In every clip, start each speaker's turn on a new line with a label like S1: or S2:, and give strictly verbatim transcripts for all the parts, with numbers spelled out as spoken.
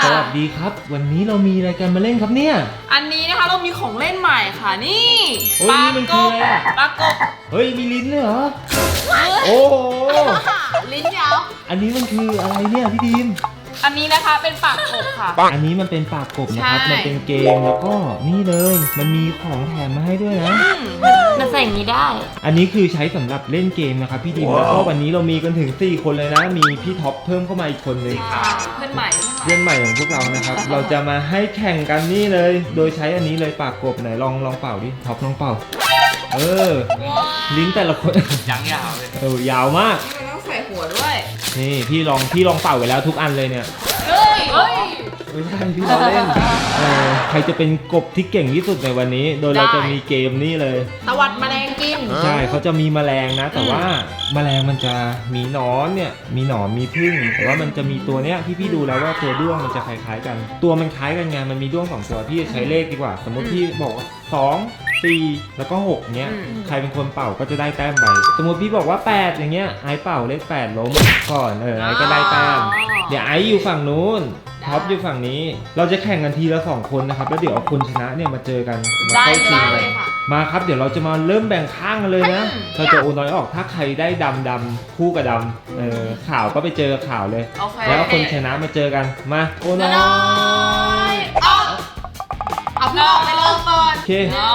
S1: วัสดีครับวันนี้เรามีอะไรกันมาเล่นครับเนี่ย
S2: อันนี้นะคะเรามีของเล่นใหม่ค่ะนี่
S1: ปลากบ
S2: ปลากบ
S1: เฮ้ยมีลิ้นเลยเหรอโอ้โห
S2: ลิ้นยาว
S1: อันนี้มันคืออะไรเนี่ยพี่ดีม
S2: อันนี้นะคะเป็นปากกบค่ะ
S1: อันนี้มันเป็นปากกบนะครับมันเป็นเกมแล้วก็นี่เลยมันมีของแถมมาให้ด้วยนะ
S3: มันใส่อย่างนี้ได้
S1: อันนี้คือใช้สำหรับเล่นเกมนะครับพี่ดีมแล้วก็วันนี้เรามีกันถึงสี่คนเลยนะมีพี่ท็อปเพิ่มเข้ามาอีกคนนึง
S2: เพื่อนใหม่
S1: เพื่อนใหม่ของพวกเรานะครับเราจะมาให้แข่งกันนี่เลยโดยใช้อันนี้เลยปากกบไหนลองลองเป่าดิท็อปลองเป่าเออลิ้นแต่ละคน
S4: ยังยาวเลย
S1: เออยาวมาก
S2: นี่มันต้องใส่หัวด้วย
S1: นี่พี่ลองพี่ลองเป่าไปแล้วทุกอันเลยเนี่ย
S2: เฮ้ยเฮ้ย
S1: ไม่ใช่พี่เราเล่นเออใครจะเป็นกบที่เก่งที่สุดในวันนี้โดยเราจะมีเกมนี่เลย
S2: ตวัดแมลงกิน
S1: ใช่เขาจะมีแมลงนะแต่ว่าแมลงมันจะมีหนอนเนี่ยมีหนอนมีผึ้งแต่ว่ามันจะมีตัวเนี้ยพี่พี่ดูแล้วว่าตัวด้วงมันจะคล้ายๆกันตัวมันคล้ายกันไงมันมีด้วงสองตัวพี่จะใช้เลขดีกว่าสมมติพี่บอกว่าสองสี่แล้วก็หกเนี้ยใครเป็นคนเป่าก็จะได้แต้มไปสมมติพี่บอกว่าแปดอย่างเงี้ยไอเป่าเลขแปดล้มก่อนเออไอก็ได้แต้มเดี๋ยวไออยู่ฝั่งนู้นท็อปอยู่ฝั่งนี้เราจะแข่งกันทีละสองคนนะครับแล้วเดี๋ยวเอาคนชนะเนี่ยมาเจอกันมาเข้าชิงเลยมาครับเดี๋ยวเราจะมาเริ่มแบ่งข้างกันเลยนะเราจะโอนน้อยออกถ้าใครได้ดำดำคู่กับดำเออข่าวก็ไปเจอข่าวเลยแล้วคนชนะมาเจอกันมาโอนน้อย
S2: เอาพี่ออกไปเริ่มก่อน
S1: โอเค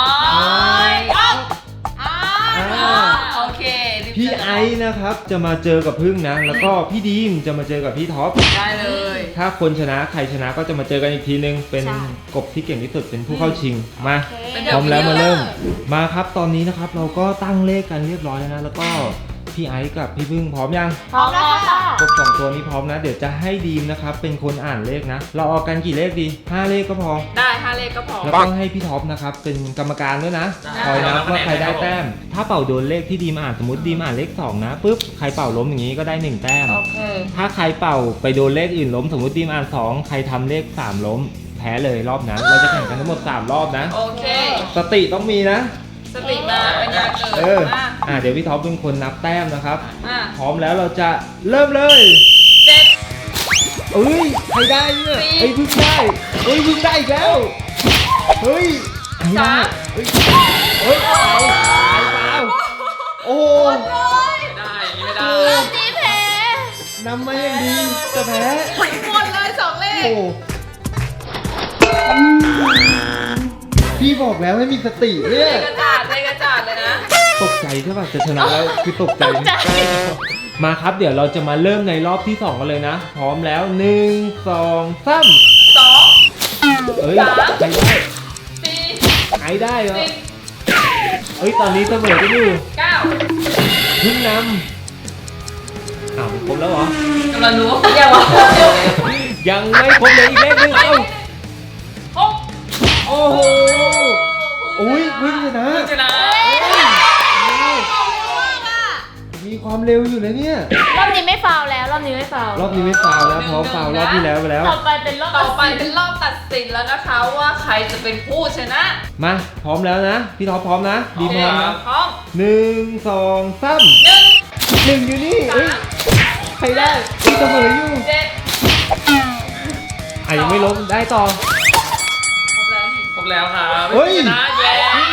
S2: โอเค
S1: พี่ไอซ์นะครับจะมาเจอกับพึ่งนะแล้วก็พี่ดีมจะมาเจอกับพี่ท็อป
S2: ได้เลย
S1: ถ้าคนชนะใครชนะก็จะมาเจอกันอีกทีนึงเป็นกบที่เก่งที่สุดเป็นผู้เข้าชิงมาพร้อมแล้วมาเริ่มมาครับตอนนี้นะครับเราก็ตั้งเลขกันเรียบร้อยแล้วนะแล้วก็พี่ไอซ์กับพี่พึ่งพร้อมยัง
S3: พร้อมแล้วค่ะ
S1: กบสองตัวนี้พร้อมนะเดี๋ยวจะให้ดีมนะครับเป็นคนอ่านเลขนะเราเอากันกี่เลขดีห้าเลขก็พอ
S2: ได้ห้าเลขก็พอ
S1: แล้วก็ให้พี่ท็อปนะครับเป็นกรรมการด้วยนะคอยนับว่าใครได้แต้มถ้าเป่าโดนเลขที่ดีมอ่านสมมติดีมอ่านเลขสองนะปุ๊บใครเป่าล้มอย่างนี้ก็ได้หนึ่งแต้มถ้าใครเป่าไปโดนเลขอื่นล้มสมมติดีมอ่านสองใครทำเลขสามล้มแพ้เลยรอบนั้นเราจะแข่งกันทั้งหมดสามรอบนะ
S2: โอเค
S1: สติต้องมีนะ
S2: สติมาเป็นยาเกิด
S1: เอออ่ะเดี๋ยวพี่ท็อปเป็นคนนับแต้มนะครับ
S2: อ่ะ
S1: พร้อมแล้วเราจะเริ่มเลย
S2: เจ็ด
S1: เอ้ยใครได้เนี่ยไอ้พึ่งได้เฮ้ยพึ่งได้อีกแล้วเฮ้ย
S2: สาม
S1: เฮ้ยเฮ้ยเอาเอาโอ้
S4: ไม่ได้ไม่ได้
S3: จีแพ้
S1: นำมาอย่างดีจะแพ้
S2: หมดเลยสองเลข
S1: พี่บอกแล้วให้มีสติเนี่ย
S2: กระจาดเลยกระจาดเลยนะ
S1: ตกใจใช่ป่ะจะชนะแล้วคือตกใจมาครับเดี๋ยวเราจะมาเริ่มในรอบที่สองกันเลยนะพร้อมแล้วหนึ่งสองสาม
S2: สอง
S1: เอ้ยใครได้
S2: สี่
S1: ใครได้เหรอเอ้ยตอนนี้เสมอกันอยู่
S2: เก้า
S1: พึ่งนำอ้าวครบแล้วเหร
S2: อกำลังรู้ว่ายังวะ
S1: ยังไม่ครบเลยอีกเลขหนึ่งเอ้า
S2: หก
S1: โอ้โหอุ้ยพึ่งชนะ
S2: ชนะ
S1: มีความเร็วอยู่เลยเนี่ย
S3: รอบนี้ไม่ฟาวแล้วรอบนี้ไม่ฟาว
S1: รอบนี้ไม่ฟาวแล้วเพราะฟาวรอบที่แล้วไปแล้ว
S3: ต่อไปเป็นรอบ
S2: ต่อไปเป็นรอบตัดสินแล้วนะคะว่าใครจะเป็นผู้ชนะ
S1: มาพร้อมแล้วนะพี่ท็อปพร้อมนะดีพร้อมนะ
S2: พร้อม
S1: หนึ่งสองสาม
S2: หนึ่ง
S1: หนึ่งอยู่นี่เอ้ยใครได้พี่เสมออยู่
S2: เจ็ด
S1: อ่ะยังไม่ล้มได้ต่อ
S4: ครบแล้วครับ
S1: เฮ้ย
S4: ชนะแย่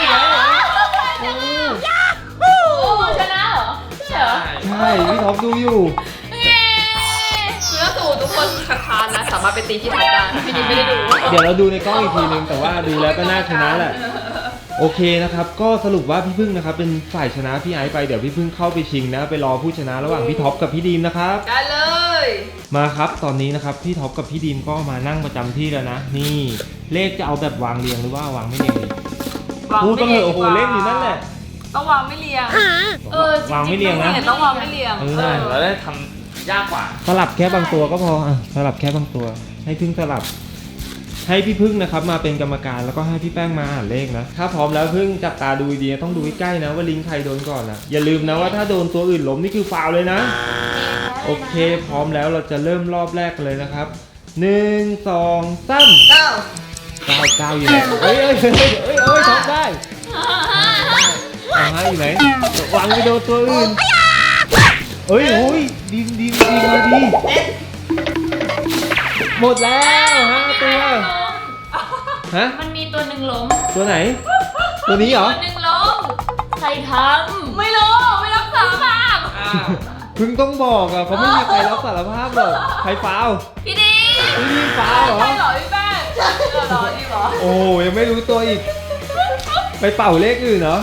S3: โอ้ชนะเหรอใช่เหรอ
S1: ใช่พี่ท็อปดูอยู่
S2: เนื้อสูตรทุกคนคัดค้านนะสามารถไปตีที่ท็อปได้พี่ดิมไม่ได้ดู
S1: เดี๋ยวเราดูในกล้องอีกทีนึงแต่ว่าดูแล้วก็น่าชนะแหละโอเคนะครับก็สรุปว่าพี่พึ่งนะครับเป็นฝ่ายชนะพี่ไอซ์ไปเดี๋ยวพี่พึ่งเข้าไปชิงนะไปรอผู้ชนะระหว่างพี่ท็อปกับพี่ดีมนะครับ
S2: ได้เลย
S1: มาครับตอนนี้นะครับพี่ท็อปกับพี่ดีมก็มานั่งประจำที่แล้วนะนี่เลขจะเอาแบบวางเรียงหรือว่าวางไม่เรียงดีพูดก็เลยโอ้โหเลขอยู่นั่นแหละ
S2: ต้องวางไม่เรียงเออ
S1: วางไม่เรียงนะ
S2: ต้องวางไม่เรียง
S1: เออ
S4: เราได้ทำยากกว่า
S1: สลับแค่บางตัวก็พออ่ะสลับแค่บางตัวให้พึ่งสลับให้พี่พึ่งนะครับมาเป็นกรรมการแล้วก็ให้พี่แป้งมาอ่านเลขนะถ้าพร้อมแล้วพึ่งจับตาดูดีต้องดูใกล้ๆนะว่าลิงใครโดนก่อนนะอย่าลืมนะว่าถ้าโดนตัวอื่นล้มนี่คือฟาวเลยนะโอเคพร้อมแล้วเราจะเริ่มรอบแรกกันเลยนะครับหนึ่งสองสาม
S2: เก้า
S1: เก้าเก้าอยู่ไหนเอ้ยเอ้ยเอ้ยเอ้ยเอ้ยท็อปได้เอาให้อยู่ไหนวางไปโดนตัวอื่นเอ้ยโอ้ยดีมดีมดีมาดีหมหมดแล้วห้าตัวฮะ
S3: มันมีตัวหนึ่งล้ม
S1: ตัวไหน ตัวนี้เหรอ
S3: ตัวหนึ่งล้มใครท
S2: ไม่รู้ไม่รับสารภาพ
S4: อ้าว
S1: เพิ่งต้องบอกอ่ะเขาไม่มีใครรับสารภาพหรอกใครฟาว
S2: พี่ดี
S1: พี่ดีฟาวเหรอ
S2: ใช่เหรอพี่แป้งเออเหรอดีเหรอ
S1: โอ้ยังไม่รู้ตัวอีก ไปเป่าเลขอื่นเหรอ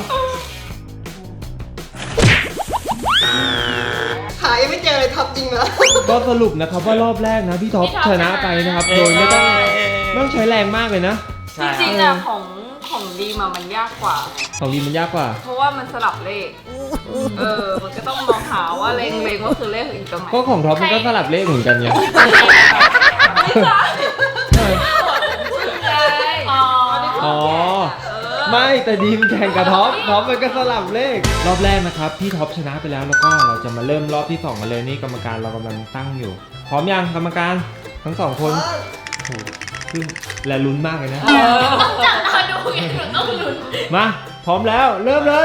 S5: หายังไม่เจอเลยท็อปจริงเหรอ
S1: ก็สรุปนะครับว่ารอบแรกนะพี่ท็อปชนะไปนะครับ โดยไม่ต้องไม่ต้องใช้แรงมากเลยนะ
S4: ใช่
S2: จริงๆอะของของดีมามันยากกว่า
S1: ของดีมันยากกว่า
S2: เพราะว่ามันสลับเลข เออ มันก็ต้องมองหาว่าเลงเลงว่าคือเลขอีกตรงไหน
S1: ก็ของท็อปมันก็สลับเลขเหมือนกันไง
S2: ไม่ใช่
S1: ใช่
S2: ใช่อ๋อ
S1: อ๋อ ไม่แต่ดีมแข่งกับท็อปท็อปมันก็สลับเลข รอบแรกนะครับพี่ท็อปชนะไปแล้วแล้วก็เราจะมาเริ่มรอบที่สองกันเลยนี่กรรมการเรากำลังตั้งอยู่ พร้อมยังกรรมการทั้งสองคนโอ้โหซึ่งและลุ้นมากเลยนะ
S2: เออ
S3: ำจับตาดูไงหนูต้องลุ้น
S1: มาพร้อมแล้วเริ่มเลย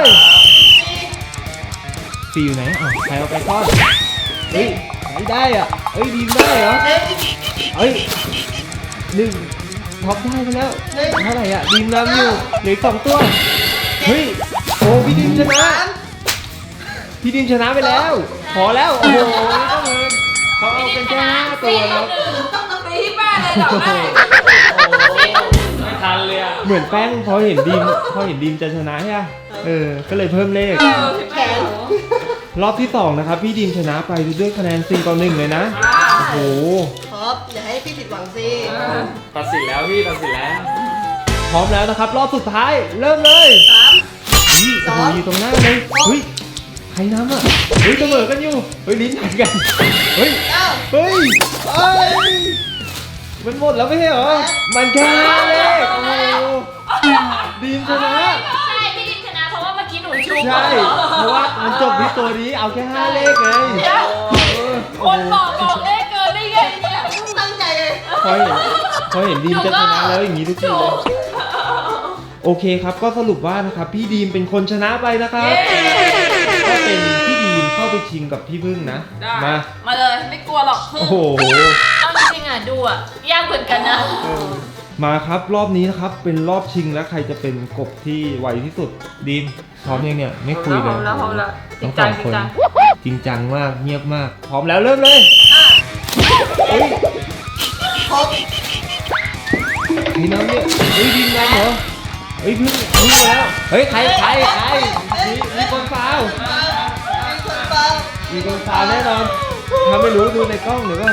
S1: ฟีอยู่ไหนอ่ะใครเอาไปก้อนเฮ้ยไม่ได้อ่ะเฮ้ยดีมได้เหรอเฮ้ยหนึ่งท็อปได้ไปแล้วเท่าไหร่อ่ะดีมนำอยู่เหลืออกสองตัวเฮ้ยโอ้พี่ดีมชนะพี่ดีมชนะไปแล้วพอแล้วโอ้โหนี่ก็เหมือนเขาเอาเป็นแค่ห้าตัวแล้ว
S2: ตีที่แป้งเลยเหรอแม่
S4: ไม่ทันเลยอ่ะ
S1: เหมือนแป้งพอเห็นดีมพอเห็นดีมจะชนะใช่ไหมเออก็เลยเพิ่มเลข
S2: เออพี่แป้ง
S1: รอบที่สองนะครับพี่ดีมชนะไปด้วยคะแนนสี่ต่อหนึ่งเลยนะโอ้โห
S5: ท็อปอย่าให้พี่ผิดหวังสิ
S4: ตัดสินแล้วพี่ตัดสินแล้ว
S1: พร้อมแล้วนะครับ รอบสุดท้ายเริ่มเลย
S5: สาม
S1: นี่โอ้โหอยู่ตรงหน้าเลยเฮ้ยใครน้ำอ่ะเฮ้ยเสมอกันอยู่เฮ้ยลิ้นหันกันเฮ้ย
S5: เก้า
S1: เฮ้ยเอ้ยมันหมดแล้วไม่ใช่เหรอมันแค่ห้าเลขโอ้โหดีมชนะ
S3: ใช่พี่ดิมชนะเพราะว่าเมื่อกี้หนูชู
S1: ใช่เพราะว่ามันจบที่ตัวนี้เอาแค่ห้าเลขไงเออ
S2: ค
S1: โอ้
S2: น
S1: โห
S2: บอกบอกเลขเกินได้ไงเนี่ย
S5: ตั้งใจเลย
S1: พอเห็นพอเห็นดีมจะชนะแล้วอย่างนี้ทุกทีเลยโอเคครับก็สรุปว่านะครับพี่ดีมเป็นคนชนะไปนะครับก็เป็นพี่ดีมเข้าไปชิงกับพี่พึ่งนะ
S2: ได้
S1: มา
S2: มาเลยไม่กลัวหรอกพึ่ง
S1: โอ้โห
S3: เอาจริงๆอ่ะดูอ่ะยากเหมือนกันนะ
S1: มาครับรอบนี้นะครับเป็นรอบชิงแล้วใครจะเป็นกบที่ไวที่สุดดีมพร้อมยังเนี่ยไม่คุยเลย
S2: พร้อมแล้วพร้อมแล้วจริ
S1: ทั้
S2: ง
S1: งส
S2: จั
S1: อง ง
S2: จ
S1: ค
S2: ริง
S1: น
S2: จัง
S1: จริงจังมากเงียบมากพร้อมแล้วเริ่มเลยเฮ้ย
S5: ท็อป
S1: ใครน้ำเนี่ยเฮ้ยดีมน้ำเหรอเฮ้ยพึ่งพึ่งแล้วเฮ้ยใครใครใครมีมีคนฟาว
S5: มีคนเปล่า
S1: มีคนฟาวแน่นอนถ้าไม่รู้ดูในกล้องเดี๋ยวก่อน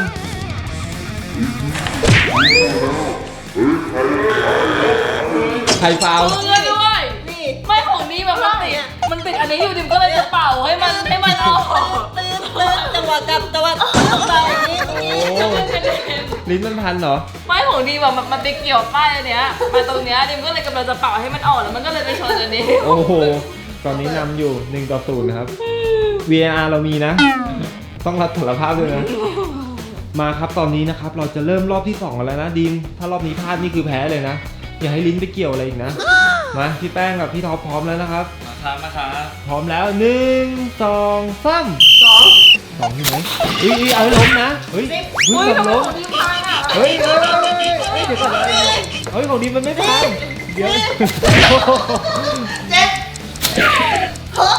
S1: ใครฟาว
S2: พึ่งเลยด้วย
S5: นี่
S2: ไม่ของนี้แบบมันติดมันติดอันนี้อยู่ดิมก็เลยจะเป่าให้มันให้มันออก
S5: ตื่นตื่นจังหวะกลับจังหวะตื่นไปอย่างนี้
S1: โอ้ลิ้นมันพันเหรอ
S2: ไม่ของดีแบบมันไปเกี่ยวป้ายอันเนี้ยมาตรงเนี้ยดิมก็เลยกำลังจะเป่าให้มันออกแล้วมันก็เลยไปชนอันนี้
S1: โอ้โหตอนนี้นำอยู่หนึ่งต่อศูนย์นะครับ วี อาร์ เรามีนะ ต้องรับสารภาพด้วยนะ มาครับตอนนี้นะครับเราจะเริ่มรอบที่สองกันแล้วนะดีมถ้ารอบนี้พลาดนี่คือแพ้เลยนะ อย่าให้ลิ้นไปเกี่ยวอะไรอีกนะ มาพี่แป้งกับพี่ท็อปพร้อมแล้วนะครับ
S4: มาครับมาครับ
S1: พร้อมแล้วหนึ่งสองสาม
S5: สอง
S1: สองอยู่ไหมเฮ้ยเฮ้ยเอาให้ล้มนะเฮ้ยเฮ้ย
S2: อุ้ยทำ
S1: ทำ
S2: ไม
S1: ล้ม
S2: ของดีพังอ่ะ
S1: เฮ้ยเฮ้ยเฮ้ยเฮ้ยเดี๋ยวก่อนเฮ้ยของดีมันไม่พังเดี๋ยว
S5: เจ็ดหก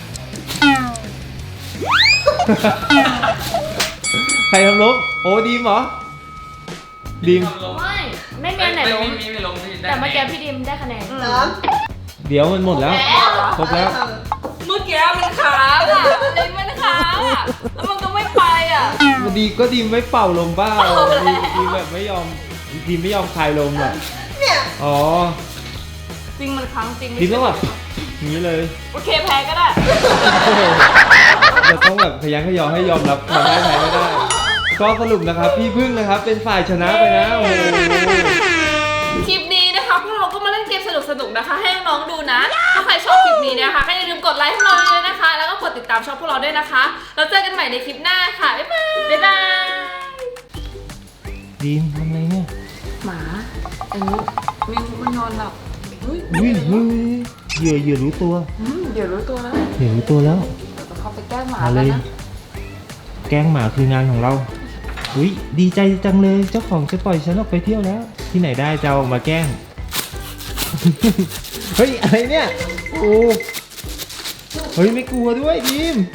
S1: ใครทำล้มโอ้ดีมเหรอดีม
S3: ไม่ไม่มีอันไหนล้ม
S4: ไม่ไม่ล้มพี่ได้
S3: แต่เมื่อกี้พี่ดิมได้คะแนน
S5: สาม
S1: เดี๋ยวมันหมดแล้วครบแล้ว
S2: เมื่อกี้มันค้างอ่ะเลยมันค้างอ่ะแล้วมันก็ไม่ไปอ่ะ
S1: ดีก็ดีไม่เป่าลมบ้าดีดีแบบไม่ยอมดีไม่ยอมคลายลมอ่ะ
S5: เนี่ย
S1: อ๋อ
S2: จริงมันค้างจริง
S1: ดีต้องแบบอย่างนี้เลย
S2: โอเคแพ้ก็ได้
S1: โอ้โหจะต้องแบบขยันขยอให้ยอมรับความได้แพ้ไม่ได้ ก็สรุปนะครับพี่พึ่งนะครับเป็นฝ่ายชนะไปนะโอ้โห
S2: คลิปนี้นะคะพวกเราก็มาเล่นเกมสนุกๆนะคะ ให้น้องๆดูนะ ถ้าใครชอบคลิปนี้นะคะก็อย่าลืมกดไลค์ให้เราเลยนะคะ แล้วก็กดติดตามช่องพวกเราด้วยนะคะแล้วเจอกันใหม่ในคลิปหน้าค่ะบ๊ายบายบ๊ายบาย
S1: ดีมทำอะไรเนี่ย
S2: หมาอันนี้มิวมันนอนหลับเฮ้ย
S1: เฮ้ยเฮ้ยเหยื่อเหยื่อรู้ตัว
S2: อืมเดี๋ยวรู้ตัวแล้ว
S1: เหยื่อรู้ตัวแล้ว
S2: เดี๋ยวเขาไปแกล้งหมา
S1: มา
S2: แล้
S1: เล
S2: วย นะ
S1: แกล้งหมาคืองานของเราอุ้ยดีใจจังเลยเจ้าของจะปล่อยฉันออกไปเที่ยวแล้ว ที่ไหนได้จะเอามาแกล้ง เฮ้ยอะไรเนี่ยโอ้เฮ้ยไม่กลัวด้วยดีม